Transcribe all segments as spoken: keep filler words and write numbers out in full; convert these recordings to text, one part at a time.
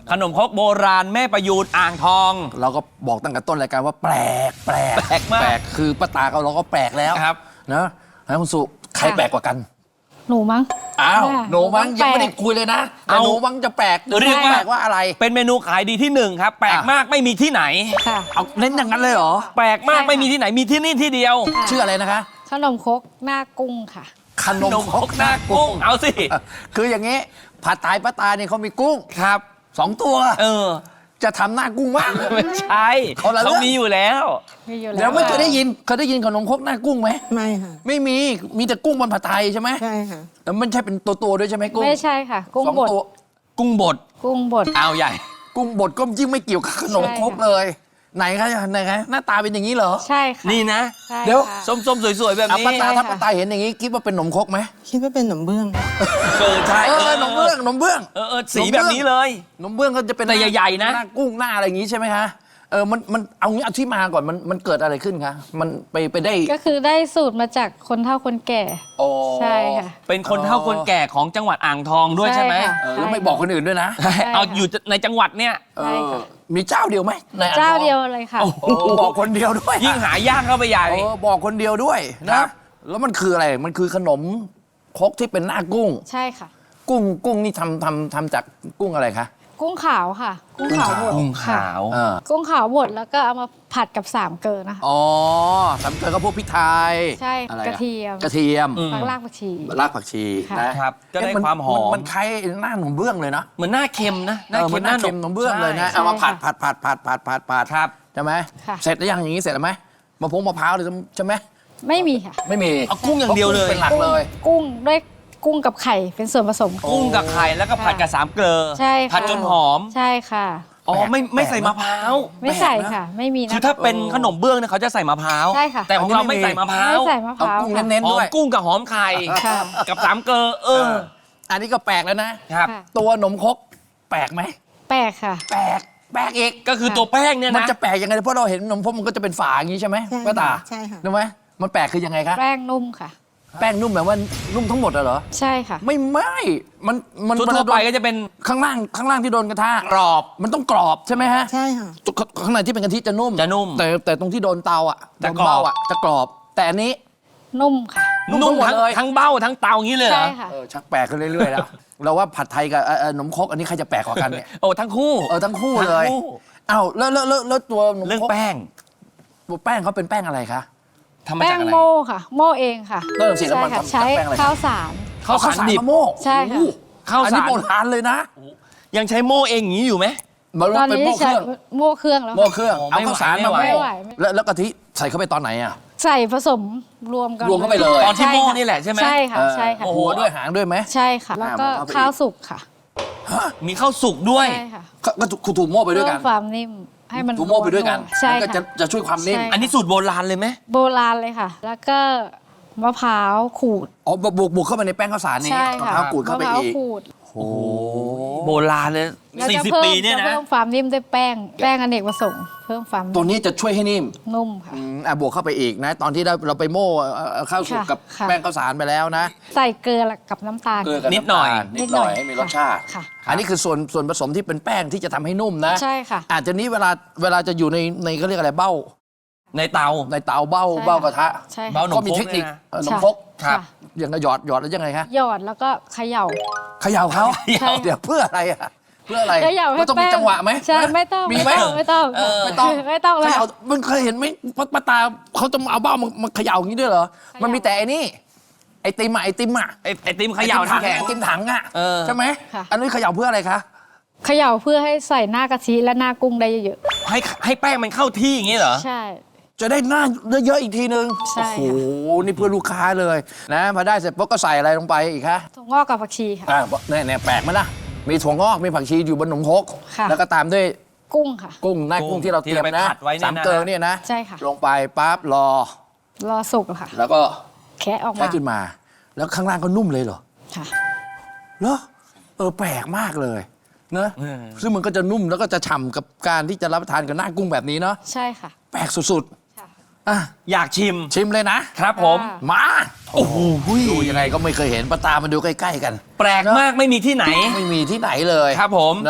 ขนมครกโบราณแม่ประยูนอ่างทองเราก็บอกตั้งแต่ต้นรายการว่าแปลกแปลกแปลกมากแปลกคือป้าตาเขาเราก็แปลกแล้วครับนะนะคุณสุใครแปลกกว่ากันหนูมั้งอ้าวหนูมั้งยังไม่ได้แปลกคุยเลยนะแต่เอาหนูมั้งจะแปลกเรียกว่าแปลกว่าอะไรเป็นเมนูขายดีที่หนึ่งครับ แปลกอ่ะมากไม่มีที่ไหนค่ะเอาเน้นอย่างนั้นเลยเหรอแปลกมากใช่ค่ะไม่มีที่ไหนมีที่นี่ที่เดียวค่ะชื่ออะไรนะคะขนมครกหน้ากุ้งค่ะขนมครกหน้ากุ้งเอาสิคืออย่างนี้ผัดไทยป้าตาเนี่ยเขามีกุ้งครับสองตัวเออจะทำหน้ากุ้งว่างไม่ใช่คนละเรื่องเขามีอยู่แล้วมีอยู่เดี๋แล้ยววไม่เคยได้ยินเคยได้ยินขนมครกหน้ากุ้งไหมไม่ค่ะไม่มีมีแต่กุ้งบนผัดไทยใช่ไหมใช่ค่ะแล้วมันใช่เป็นตัวตัวๆด้วยใช่ไหมกุ้งไม่ใช่ค่ะ กุ้งสองบดตัวกุ้งบดกุ้งบดเอาใหญ่กุ้งบดก็ยิ่งไม่เกี่ยวกับขนมครกใช่ค่ะเลย ไหนคะไหนคะหน้าตาเป็นอย่างนี้เหรอใช่ค่ะนี่นะใช่เดี๋ยวค่ะส้มๆสวยๆแบบอ่ะนี้ป้าตาใช่ถ้าค่ะป้าตาเห็นอย่างนี้คิดว่าเป็นขนมครกไหมคิดว่าเป็นขนมเบื้องเออใช่เออขนมเบื้องขนมเบื้องเออเออสีแบบนี้เลยขนมเบื้องก็จะเป็นแต่ใหญ่ๆนะหน้ากุ้งหน้าอะไรอย่างนี้ใช่ไหมคะเออมันมันเอางี้เอาที่มาก่อนมันมันเกิดอะไรขึ้นคะมันไปไปได้ก็คือได้สูตรมาจากคนเฒ่าคนแก่โอ้ใช่ค่ะเป็นคนเฒ่าคนแก่ของจังหวัดอ่างทองด้วยใช่ไหมใช่ค่ะเออแล้วไม่บอกคนอื่นด้วยนะใช่เอาอยู่ในจังหวัดเนี่ยเอใช่อค่ะมีเจ้าเดียวไหมในอ่งทองเจ้าเดียวเลยค่ะโอ้โหโอ้บอกคนเดียวด้วยยิ่งหายากเข้าไปใหญ่เออบอกคนเดียวด้วยครันะบแล้วมันคืออะไรมันคือขนมครกที่เป็นหน้ากุ้งใช่ค่ะกุ้งกุ้งนี่ทำทำทำจากกุ้งอะไรคะกุ้งขาวค่ะ กุ้งขาวบดกุ้งค่ะขาวเออกุ้งขาวบดแล้วก็เอามาผัดกับสามเกลือนะคะอ๋อสำเกลือก็พวกพริกไทยใช่อะไรอกระเทียมกระเทียมอืมผักรากผักชีรากผักชีค่ะนะครับก็ได้เอ๊ะนความหอมนมันคล้ายหน้าขนมเบื้องเลยนะเหมือนหน้าเค็มนะเออมันหน้าเค็มขนมเบื้องเลยนะใช่เอามาผัดผัดผัดผัดผัดผัดผัดครับใช่ไหมค่ะเสร็จแล้วยังอย่างนี้เสร็จแล้วไหมมะพร้าวมะพร้าวเลยใช่ไหมไม่มีค่ะไม่มีเอากุ้งอย่างเดียวเลยเป็นหลักเลยกุ้งด้วยกุ้งกับไข่เป็นส่วนผสมกุ้งกับไข่แล้วก็ผัดกับสามเกลือใช่ค่ะผัดจนหอมใช่ค่ะอ๋อไม่ไม่ใส่แปลกนะมะพร้าวไม่ใส่ค่ะ ไม่มีนะคือถ้าเป็นขนมเบื้องเนี่ยเขาจะใส่มะพร้าวใช่ค่ะแต่ของเราไม่ใส่มะพร้าวไม่ใส่มะพเอาร้าวกุ้งค่ะเน้นหๆอด้มวยกุ้งกับหอมไข่ค่ะกับสามเกลือเอออันนี้ก็แปลกแล้วนะครับค่ะตัวขนมครกแปลกไหมแปลกค่ะแปลกแปลกอีกก็คือตัวแป้งเนี่ยมันนะจะแปลกยังไงเพราะเราเห็นขนมครกมันก็จะเป็นฝาอย่างนี้ใช่ไหมใช่ป้าตาใช่ค่ะรู้ไหมมันแปลกคือยังไงคะแป้งนุ่มค่ะแป้งนุ่มแบบว่านุ่มทั้งหมดอะเหรอใช่ค่ะไม่ไม่มันมันทั่วๆไปก็จะเป็นข้างล่างข้างล่างที่โดนกระทะกรอบมันต้องกรอบใช่ไหมฮะใช่ค่ะข้างในที่เป็นกะทิจะนุ่มจะนุ่มแต่แต่ตรงที่โดนเตาอ่ะจะโดนกรอบเบ้าอ่ะจะกรอบ แต่อันนี้นุ่มค่ะนุ่มนุ่มทั้งหมดทั้งเลยทั้งเบ้าทั้งเตาอย่างนี้เลยเหรใช่อค่ะเออชักแปลกขึ้นเรื่อยๆแล้ว เราว่าผัดไทยกับเอ่อเอ่อขนมครกอันนี้ใครจะแปลกกว่ากันเนี่ยโอ้ทั้งคู่เออทั้งคู่เลยทั้งคู่อ้าวแล้วแล้วแล้วแล้วตัวขนมเรื่องครกแป้งตัวแป้งเขาเป็นแป้งอะไรคะทำมาแป้จากงอะไรโม่ค่ะ โม่เองค่ะเริ่มสิแล้วใช่มันค่ะทำใช้จากแป้งอะไรข้าวสารข้าวสารดิบมะโม่ใช่ค่ะโอ้โหข้าวอันสานี้รโบราณเลยนะยังใช้โม่เองอย่างนี้อยู่ไหมมันตอนเป็นนี้โม่เคใช้รื่องโม่เครื่องแล้วโม่ค่ะเครื่องโอ้เอาไม่ข้าวสารไหวมาไม่โม่ไหวแล้วแล้วกะทิใส่เข้าไปตอนไหนอ่ะใส่ผสมรวมกันรวมเข้าไปเลยตอนที่ใช่โม่ค่ะนี่แหละใช่ไหมใช่ค่ะ ใช่ค่ะโอ้โหหัวด้วยหางด้วยไหมใช่ค่ะ แล้วก็อ่ามันเข้าไปอีกข้าวสุกค่ะมีข้าวสุกด้วยใช่ค่ะก็ก็ถูกถูกโม่ไปด้วยกันเพิ่มความนิ่มให้มันถูกโม่ไปด้วยกันใช่มันก็จะค่ะจะช่วยความนิ่มใช่อันนี้สูตรโบราณเลยไหมโบราณเลยค่ะ แล้วก็มะพร้าวขูดอ๋อบวกบวกบวกเข้าไปในแป้งข้าวสารนี้ใช่มะค่ะพร้าวขูดเข้าไปมะพร้าวอีกขูดโอ้โหโบราณเลยแล้วสี่จะสิบเพิ่มปีเนี่ยจะนะเพิ่มความนิ่มด้วยแป้ง แป้งอเนกประสงค์เพิ่มความตัวนี้จะช่วยให้นิ่มนุ่มค่ะอืมอ่ะบวกเข้าไปอีกนะ ตอนที่เราเราไปโม่เอ่อเอ่อข้าวสุกค่ะกับค่ะแป้งข้าวสารไปแล้วนะใส่เกลือกับน้ำตาลเกลือกับนิดหน่อยำตาลนิดหน่อยให้มีรสชาติค่ะอันนี้คือส่วนส่วนผสมที่เป็นแป้งที่จะทำให้นุ่มนะใช่ค่ะอาจจะนี้เวลาเวลาจะอยู่ในในเขาเรียกอะไรเบ้าในเตาในเตาเบ้าใช่ค่ะเบ้ากระทะใช่ค่ะเบ้า หนมก็มีครกเทคนิคเนี่ยนะเอ่อหนมครกครับอย่างกระหยอดหยอดแล้วยังไงคะหยอดแล้วก็เขย่าเขย่าเขาใช่เดี๋ยวเพื่ออะไรอะเพื่ออะไรเขย่าให้มันต้องมีแป้งจังหวะไหมใช่ไม่ต้องมีไหมไม่ต้องเออไม่ต้องไม่ต้องเขเลยย่ามันเคยเห็นไหมป้าป้าตาเขาจะเอาเบ้ามามาเขย่าอย่างนี้ด้วยเหรอ มันมีแต่ไอ้นี่ไอติมอะไอติมอะไอไอติมเขย่าไอติมถังน้ำแข็งไอติมถังอะเออใช่ไหมค่ะอันนี้เขย่าเพื่ออะไรคะเขย่าเพื่อให้ใส่หน้ากะทิและหน้ากุ้งได้เยอะให้ให้แป้งมันเข้าที่อย่างนี้เหรอๆใช่จะได้หน้าเยอะๆอีกทีนึงใช่โอ้ค่ะโหนี่เพื่อลูกค้าเลยนะพอได้เสร็จปุ๊บก็ใส่อะไรลงไปอีกคะถั่วงอกกับผักชีค่ะอ่าเนี่ยเนี่ยแปลกไหมล่ะมีถั่วงอกมีผักชีอยู่บนขนมครกค่ะแล้วก็ตามด้วยกุ้งค่ะกุ้งหน้ากุ้กุ้งงที่เราเตรียมที่เรานะไปผัดไว้เนี่ยนะสามเกลือเนี่ยนะใช่ค่ะลงไปปั๊บรอรอสุกค่ะแล้วก็แคะออกแค่มาขึ้นมา แล้วข้างล่างก็นุ่มเลยเหรอค่ะเหรอเออแปลกมากเลยนะเออซึ่งมันก็จะนุ่มแล้วก็จะฉ่ำกับการที่จะรับประทานกับหน้ากุ้งแบบนี้เนาะใช่ค่ะแปลกสุดค่ะๆอ่ะอยากชิมชิมเลยนะครับผมค่ะมาโอ้โหดูยังไงก็ไม่เคยเห็นปลาตามาดูใกล้ๆกันแปลกมากไม่มีที่ไหนไม่มีที่ไหนเลยครับผมเนอะ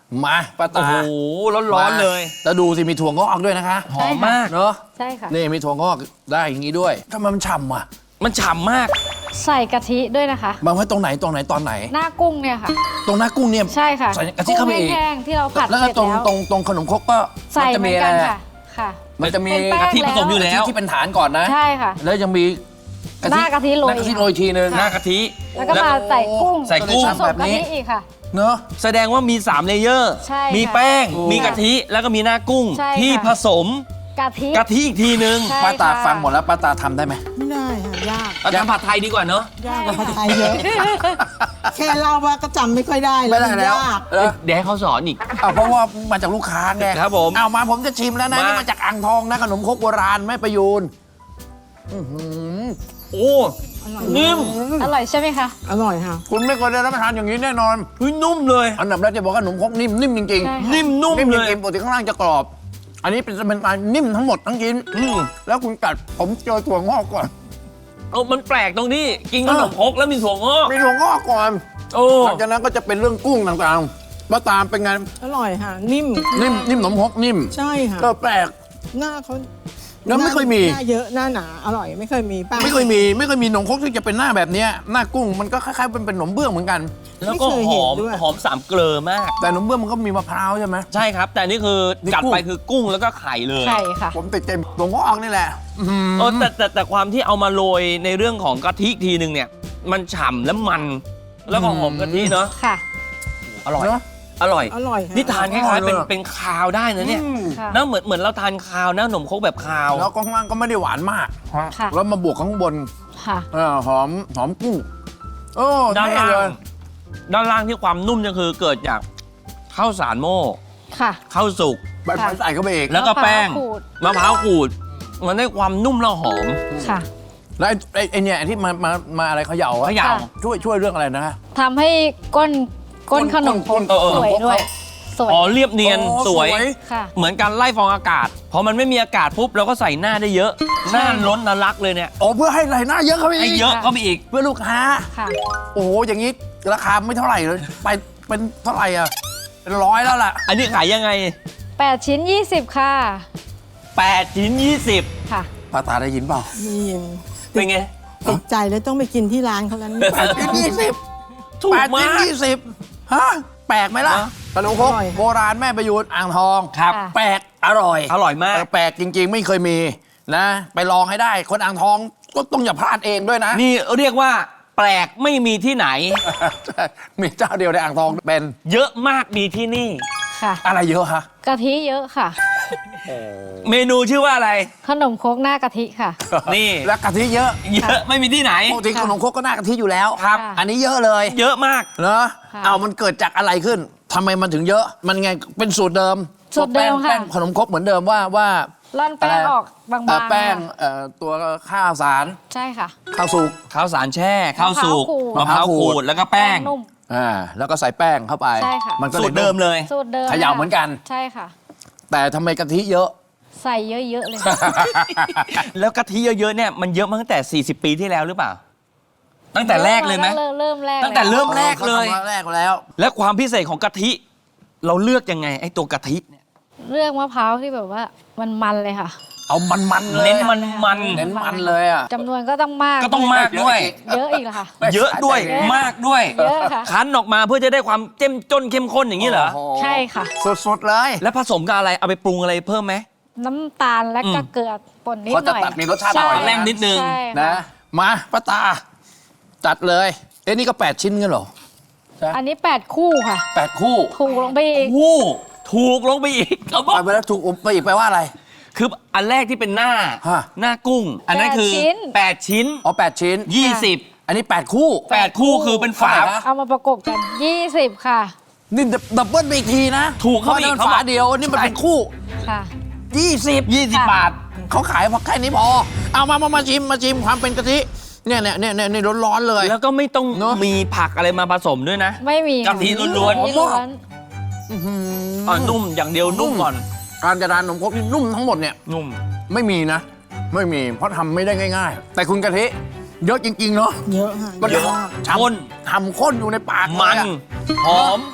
มาป้าโอ้ตาโหร้อนๆเลยแล้วดูสิมีถั่วงอกด้วยนะคะหอมมากเนาะใช่ค่ะนี่มีถั่วงอกได้อย่างนี้ด้วยทำไมมันฉ่ำอ่ะมันฉ่ำมากใส่กะทิด้วยนะคะมาไว้ตรงไหนตรงไหนตอนไหนหน้ากุ้งเนี่ยค่ะตรงหน้ากุ้งเนี่ยใช่ค่ะใส่กะทิเข้าไปอีกกุ้งแห้งๆที่เราผัดแล้วเสก็ร็จตรงแล้วตรงตรงขนมครกก็ใส่มันจะเหมืมีอนอะไรกันอะค่ะค่ะมันจะมีเป็นแป้งกะทิผสมอยู่กะแล้ทิวที่เป็นฐานก่อนนะใช่ค่ะแล้วยังมีหน้ากะทิโรยหน้ากะทิโรยทีนึงหน้ากะทิแล้วก็มาใส่กุ้งใส่กุ้งผสมกะทิอีกค่ะเนาะแสดงว่ามีสามเลเยอร์ใช่ค่ะมีแป้งโอ้มีกะทิ แล้วก็มีหน้ากุ้งใช่ค่ะที่ผสมกะทิกะทิอีกทีนึงใช่ป้าตาค่ะฟังหมดแล้วป้าตาทำได้ไหมไม่ได้ค่ะยากเอาทำผัดไทยดีกว่าเนอะยากกว่าผัดไทยเยอะ แค่เล่าว่าก็จำไม่ค่อยได้ไม่ได้มันแล้วยากเออเดี๋ยวให้เขาสอนอีกเอาเพราะว่ามาจากลูกค้าไงครับผมเอามาผมจะชิมแล้วนะมานี่นี่มาจากอ่างทองนะขนมครกโบราณแม่ประยูนอื้อหือโอ้อร่อยนิ่มอร่อยใช่ไหมคะอร่อยค่ะคุณไม่เคยได้รับประทานอย่างนี้แน่นอนเฮ้ยนุ่มเลยอันดับแรกจะบอกว่าขนมครกนิ่มนิ่มจริงใช่ๆนิ่มนุ่มนิ่มเลจยริงๆปกติข้างล่างจะกรอบ อันนี้เป็นเป็นการนิ่มทั้งหมดทั้งชิ้นอืมแล้วคุณกัดผมเจอถั่วงอกก่อนเอามันแปลกตรงที่กินขนมครกแล้วมีถั่วงอกมีถั่วงอกก่อนโอ้หลังจากนั้นก็จะเป็นเรื่องกุ้งต่างๆมาตามเป็นไงอร่อยค่ะ นิ่มนิ่มนิ่มขนมครกนิ่มใช่ค่ะก็แปลกหน้าเขาแล้วไม่เคยมีหน้าเยอะหน้าหนาอร่อยไม่เคยมีป้าไม่เคยมีไม่เคยมีขนมครกที่จะเป็นหน้าแบบเนี้ยหน้ากุ้งมันก็คล้ายๆเป็นเป็นขนมเบื้องเหมือนกันแล้วก็หอมหอมสามเกลอมากแต่ขนมเบื้องมันก็มีมะพร้าวใช่ไหมใช่ครับ แต่นี่คือนี่กัดกุ้งไปคือกุ้งแล้วก็ไข่เลยไข่ค่ะผมติดใจถั่วงอกนี่แหละอื้อหือเออแต่แต่แต่ความที่เอามาโรยในเรื่องของกะทิทีนึงเนี่ย มันฉ่ำและมัน แล้วก็หอมกะทิเนาะค่ะอร่อยเนอะอร่อยอร่อยค่ะนี่ทานคล้ายๆเป็นเป็นคาวได้นะเนี่ยอืมค่ะนะเหมือนเหมือนเราทานคาวนะขนมครกแบบคาวแล้วก็ข้างล่างก็ไม่ได้หวานมากค่ะแล้วมาบวกข้างบนค่ะเออหอมหอมกุ้งโอ้ด้านเท่ล่างเลยด้านล่างที่ความนุ่มเนี่ยคือเกิดจากข้าวสารโม่ค่ะข้าวสุกใบไม้ใส่เข้าไปอีกแล้วก็แป้งมะพร้าวขูดมะพร้าวขูด มันได้ความนุ่มและหอมค่ะแล้วไอ้ไอ้ไอ้เนี่ยที่มามามาอะไรเขย่าอะเขย่าค่ะช่วยช่วยเรื่องอะไรนะทำให้ก้นก้นขนมครกเออเออสวยด้วย สวยอ๋อเรียบเนียนโอ้สวยค่ะเหมือนการไล่ฟองอากาศ พอมันไม่มีอากาศปุ๊บเราก็ใส่หน้าได้เยอะ หน้าล้นน่ารักเลยเนี่ยโอ้เพื่อให้ไหลหน้าเยอะเข้าไปให้อีกเยอะเข้าไปอีกเพื่อลูกค้าค่ะโอ้โหอย่างนี้ราคาไม่เท่าไหร่เลยไปเป็นเท่าไหร่อ่ะเป็นร้อยแล้วล่ะอันนี้ขายยังไงแปดชิ้นยี่สิบค่ะแปดชิ้นยี่สิบค่ะป้าตาได้ยินเปล่ามียินเป็นไงติดใจแล้วต้องไปกินที่ร้านเขาแล้วนี่แปดชิ้นยี่สิบถูกแปดมาชิ้นกยี่สิบฮะแปลกไหมล่ะฮะขนมครกโบราณแม่ประยูนอ่างทองครับค่ะแปลกอร่อยอร่อยมากเออแปลกจริง ๆ ไม่เคยมีนะ ไปลองให้ได้ คนอ่างทองก็ต้องอย่าพลาดเองด้วยนะนี่เรียกว่าแปลกไม่มีที่ไหนมีเจ้าเดียวในอ่างทองเป็นเยอะมากมีที่นี่ค่ะอะไรเยอะฮะกะทิเยอะค่ะเมนูชื่อว่าอะไรขนมครกหน้ากะทิค่ะนี่แล้วกะทิเยอะเยอะไม่มีที่ไหนปกติขนมครกก็น่ากะทิอยู่แล้วครับค่ะอันนี้เยอะเลยเยอะมากเนอะค่ะเอามันเกิดจากอะไรขึ้นทำไมมันถึงเยอะ มันไงเป็นสูตรเดิมสูตรเดิมค่ะแป้งขนมครกเหมือนเดิมว่าว่าร่อนแป้งอะไรออกบางเอ่อๆแป้งค่ะเอ่อตัวข้าวสารใช่ค่ะข้าวสุกข้าวสารแช่ข้าวสุกมะมะพพร้าร้าว วขูขูดดแล้วก็แป้งนุ่มอ่าแล้วก็ใส่แป้งเข้าไปใช่ค่ะมันก็สูตรเดิมเลยสูตรเดิมเขย่าเหมือนกันใช่ค่ะแต่ทำไมกะทิเยอะใส่เยอะๆเลยค่ะแล้วกะทิเยอะๆเนี่ยมันเยอะมาตั้งแต่ สี่สิบ ปีที่แล้วหรือเปล่า ตั้งแต่แรกเลยไหมเริ่มเริ่มแรกตั้งแต่เริ่ม แรกเลยขาทำแรกแล้วและความพิเศษของกะทิ เราเลือกยังไงไอ้ตัวกะทิเนี่ยเลือกมะพร้าวที่แบบว่ามันมันเลยค่ะเอามันๆเลยเน้นมันมันเน้นมันเลยอ่ะจำนวนก็ต้องมากก็ต้องมากด้วยเยอะอีกเหรอค่ะเยอะด้วยมากด้วยเยอะค่ะคั้นออกมาเพื่อจะได้ความเจ้มจนเข้มข้นอย่างนี้เหรอโโใช่ค่ะสดๆเลยแล้วผสมกับอะไรเอาไปปรุงอะไรเพิ่มไหมน้ำตาลและก็อืมเกลือป่นนิดเขาหจะน่อยตัดมีรสชาติใอร่อยแรงนิดนึงใช่นะค่ะมาป้าตา จัดเลย เอ้นี่ก็แปดชิ้นกันเหรออันนี้แปดคู่ค่ะแปดคู่ถูกลงไปอีกวู้ถูกลงไปอีกเขาบอกไปไปแล้วถูกไปอีกแปลว่าอะไรคืออันแรกที่เป็นหน้าฮะหน้ากุ้ง อันนั้นคือแปดชิ้นแปดชิ้นอ๋อแปดชิ้นยี่สิบอันนี้แปดคู่แปดคู่คือเป็นฝาเท่าไหร่นะเอามาประกบกันยี่สิบค่ะนี่ดับเบิลไปอีกทีนะถูกเข้าไปอีกพระเขานั่นบอกฝาเดียวนี่มันเป็นคู่ค่ะยี่สิบยี่สิบบาทเขาขายเพราะแค่นี้พอ เอามามามาชิมมาชิมความเป็นกะทิ เนี่ยเนี่ยเนี่ยเนี่ยเนี่ยร้อนๆเลยแล้วก็ไม่ต้องเนอะมีผักอะไรมาผสมด้วยนะไม่มีกะทิล้วนๆกะทิล้วนอื้อหืออ่ะนุ่มอย่างเดียวนุ่มก่อนการจะทานขนมครกนี่นุ่มทั้งหมดเนี่ยนุ่มไม่มีนะ ไม่มีเพราะทำไม่ได้ง่าย ๆ แต่คุณกะทิเยอะจริง ๆ เนาะเยอะค่ะมันเยอะมากทำข้นทำข้นอยู่ในปากเลยมันอะหอมต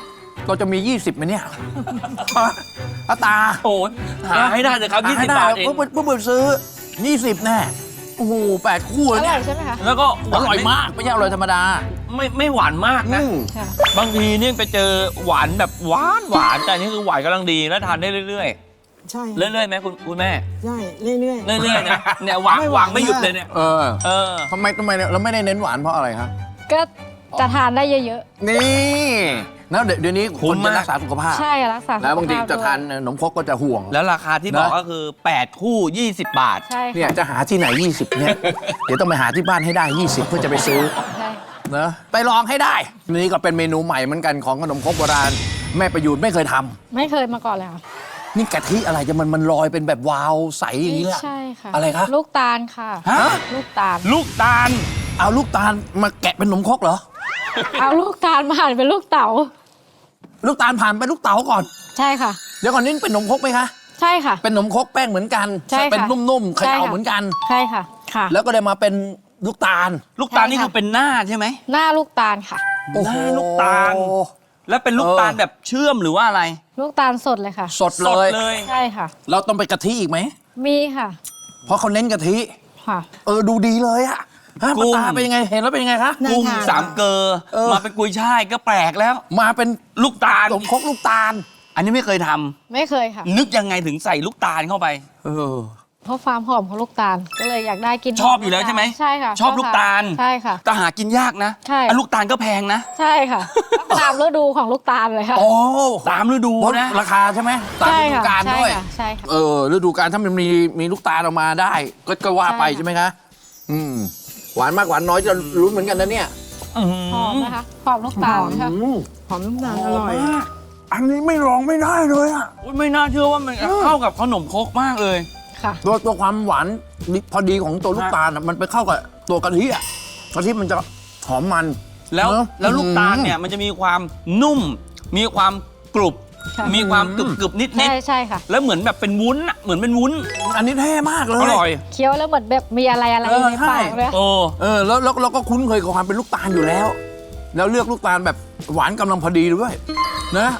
เราจะมี ยี่สิบไหมเนี่ยป้าตาโอ้ยหาให้ได้เลยครับยี่สิบบาทเองเพิ่งเพิ่งซื้อ ยี่สิบแน่โอ้โหแปดคู่อแล้วร่เนี่อย ยใช่ไหมคะแล้วก็หอวานร่อยมากไม่ใช่อร่อยธรรมดาไม่ไม่หวานมากนะอืมค่ะบางทีเนี่ยไปเจอหวานแบบหวานหวานแต่อันนี่คือหวานกำลังดีแล้วทานได้เรื่อยใช่ๆ เรื่อยๆไหมคุณคุณแม่ใช่เรื่อยเรื่อยๆนะเนี่ยหวานไม่หหวาวาน นไม่หยุดเลยเนี่ยเออเออทำไมทำไมเนี่ยเราไม่ได้เน้นหวานเพราะอะไรครับก็จะทานได้เยอะนี่แล้วเดี๋ยวนี้คุ้คนมจะมากรักษาสุขภาพๆ ใช่รักษาสุขภาพแล้วบางทีจะด้วยทานขนมครกก็จะห่วงแล้วราคาที่บอกนะก็คือ แปด คู่ ยี่สิบ บาทใช่เนี่ยค่ะจะหาที่ไหน ยี่สิบ เนี่ย เดี๋ยวต้องไปหาที่บ้านให้ได้ ยี่สิบ เพื่อจะไปซื้อใช่นะไปลองให้ได้ นี่ก็เป็นเมนูใหม่เหมือนกันของขนมครกโบราณแม่ประยูนไม่เคยทำไม่เคยมาก่อนเลยค่ะนี่กะทิอะไรจะมันมันลอยเป็นแบบวาวใสอย่างนี้ไม่ล่ะใช่ค่ะอะไรคะลูกตาลค่ะฮะลูกตาลลูกตาลเอาลูกตาลมาแกะเป็นขนมครกเหรอเอาลูกตาลมาหั่นเป็นลูกเต๋าลูกตาลผ่านไปลูกเต๋าก่อนใช่ค่ะเดี๋ยวก่อนนี้เป็นขนมครกไหมคะใช่ค่ะเป็นขนมครกแป้งเหมือนกันใช่ค่ะเป็นนุ่มๆเขใช่ย่าค่ะเหมือนกันใช่ค่ะค่ะแล้วก็ได้มาเป็นลูกตาลลูกตาลใช่นี่ค่ะคือเป็นหน้าใช่ไหมหน้าลูกตาลค่ะโอ้โหหน้าลูกตาล แล้วเป็นลูกตาลแบบเชื่อมหรือว่าอะไรลูกตาลสดเลยค่ะสดสเลดยเลยใช่ค่ะเราต้องไปกะทิอีกไหมมีค่ะเพราะเขาเน้นกะทิค่ะเออดูดีเลยอะฮะกุ้ป้าง ตาเป็นยังไงเห็นแล้วเป็นยังไงคะน่ากุ้งทานสามเกลอเออมาเป็นกุยช่ายก็แปลกแล้วมาเป็นลูกตาลขนมครกลูกตาลอันนี้ไม่เคยทำไม่เคยค่ะนึกยังไงถึงใส่ลูกตาลเข้าไปเออเพราะความหอมของลูกตาลก็เลยอยากได้กินชอบอยู่แล้วใช่ไหมใช่ค่ะชอบลูกตาลใช่ค่ะแต่หากินยากนะใช่อันลูกตาลก็แพงนะใช่ค่ะตามฤดูของลูกตาลเลยค่ะโอ้ตามฤดูเพราะนะราคาใช่ไหมตามใช่ฤดูค่ะกาลใช่ด้วยค่ะใช่ค่ะเออฤดูกาลถ้ามันมีมีลูกตาลออกมาได้ ก็ก็ว่าไปใช่ค่ะใช่ไหมคะอืมหวานมากหวานน้อยจะรู้เหมือนกันนะเนี่ยหอมนะคะหอมลูกตาลค่ะอืมหอมน้ำตาลอร่อยอันนี้ไม่ลองไม่ได้เลยอะอุ๊ยไม่น่าเชื่อว่ามันเข้ากับขนมครกมากเลยค่ะตัวตัวความหวานพอดีของตัวลูกตาลอะมันไปเข้ากับตัวกะทิอะกะทิมันจะหอมมันแล้วเนอะแล้วลูกตาลเนี่ยมันจะมีความนุ่ม มีความกรุบค่ะมีความกรึบกรึบนิดนิดใช่ใช่ค่ะแล้วเหมือนแบบเป็นวุ้นอะเหมือนเป็นวุ้นอันนี้เท่มากเลยอร่อยเคี้ยวแล้วเหมือนแบบมีอะไรอะไรเออในใช่ปากเลยโอ้เออแล้วแล้วเราก็คุ้นเคยกับความเป็นลูกตาลอยู่แล้ว แล้วเลือกลูกตาลแบบหวานกำลังพอดีด้วยนะ